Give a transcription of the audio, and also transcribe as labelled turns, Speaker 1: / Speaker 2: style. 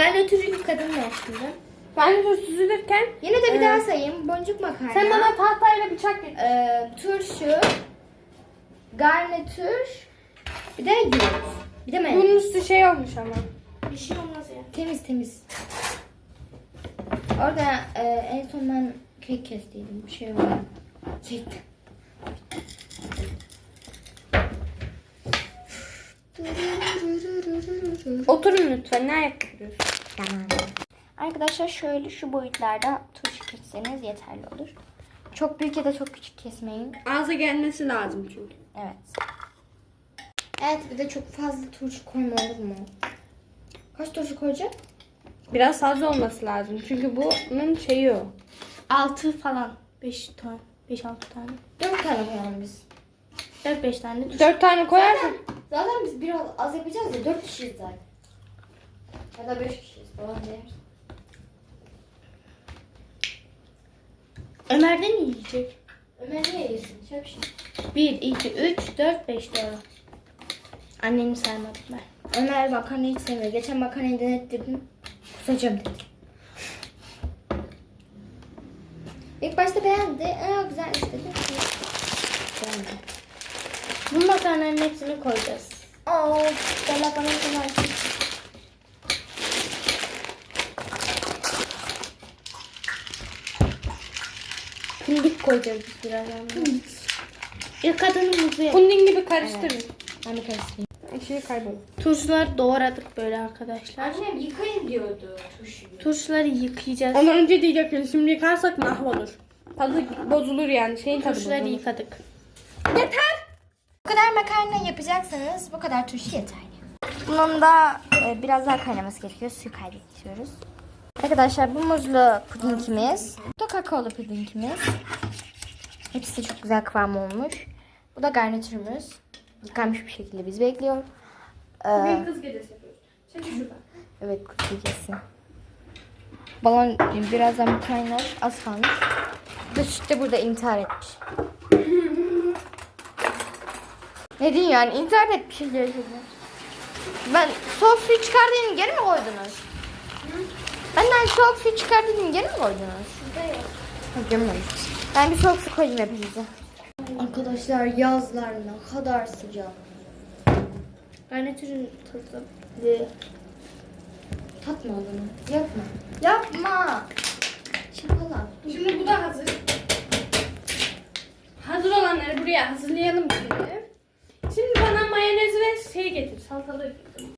Speaker 1: Garnitürü kadın ver şimdi.
Speaker 2: Garnitür süzülürken
Speaker 1: Yine de bir daha sayayım. Boncuk makarna.
Speaker 2: sen bana tahtayla bıçak getir.
Speaker 1: Turşu. Garnitür. Bir de yoğurt. Bir de mayonez.
Speaker 2: Bunun üstü şey olmuş ama.
Speaker 1: Bir şey olmaz ya. Temiz temiz. Orada en son ben kek kestiydim. Bir şey var. Çektim.
Speaker 2: Oturun lütfen. Ne yapıyorsun?
Speaker 1: Tamam. Arkadaşlar şöyle şu boyutlarda turşu kesseniz yeterli olur. Çok büyük ya da çok küçük kesmeyin.
Speaker 2: Ağza gelmesi lazım çünkü.
Speaker 1: Evet. Evet, bir de çok fazla turşu koyma olur mu? Kaç turşu koyacak?
Speaker 2: Biraz fazla olması lazım. Çünkü bunun şeyi o.
Speaker 3: 6 falan. 5 tane. 5-6 tane.
Speaker 1: 4 tane koyalım biz.
Speaker 3: 4-5 tane turşu.
Speaker 2: 4 tane koyarsan.
Speaker 1: Zaten biz biraz az yapacağız ya, 4 kişiyiz zaten. Ya da 5 kişiyiz falan deriz.
Speaker 3: Ömer de mi yiyecek?
Speaker 1: Ömer niye yesin? Şöyle bir şey.
Speaker 3: 1, 2, 3, 4, 5 doğru. Annemi saymadım ben.
Speaker 1: Ömer makarnayı hiç sevmiyor. Geçen makarnayı denettirdim. Kusacağım dedi. İlk başta beğendi. Güzel istedi. Beğendi.
Speaker 3: Bu makarnanın hepsini koyacağız.
Speaker 1: Bella bana kolay.
Speaker 3: Fındık koyacağız biz birazdan. İlk adımımızı yap.
Speaker 2: Puding gibi karıştırın.
Speaker 1: Ben bir karıştırayım.
Speaker 2: Şey kaybolur.
Speaker 3: Turşuları doğradık böyle arkadaşlar.
Speaker 1: Annem yıkayın diyordu turşuyu.
Speaker 3: Turşuları yıkayacağız.
Speaker 2: Onu önce diyecektin. Şimdi yıkarsak mahvolur. Tadı bozulur yani. Şeyin tadı
Speaker 3: Turşuları
Speaker 2: bozulur.
Speaker 3: yıkadık.
Speaker 2: Yeter.
Speaker 1: Bu kadar makarna yapacaksanız bu kadar turşu yeterli. Bunun da biraz daha kaynaması gerekiyor. Suyu kaybediyoruz. Arkadaşlar bu muzlu pudingimiz. Bu da kakaolu pudingimiz. Hepsi de çok güzel kıvam olmuş. Bu da garnitürümüz. Yıkanmış bir şekilde bizi bekliyor.
Speaker 2: Bugün kız gecesi yapıyoruz. Çekil şuradan.
Speaker 1: Evet, kız gecesi. Balon birazdan bir kaynar. Az kalmış. Bu süt de burada intihar etmiş. Ne diyeyim yani, intihar etmiş gerçekten. Ben soğuk suyu çıkardığını geri mi koydunuz? Benden soğuk suyu çıkardığını geri mi koydunuz?
Speaker 3: Şurada yok.
Speaker 1: Gömmemiş. Ben bir soğuk su koyayım hepinize. Arkadaşlar yazlar ne kadar sıcak.
Speaker 3: Garnitürün tadı.
Speaker 1: Tatma onu. Yapma. Yapma. Şapala.
Speaker 2: Şimdi bu da hazır. Hazır olanları buraya hazırlayalım şimdi. Şimdi bana mayonez ve şey getir. Salatalık.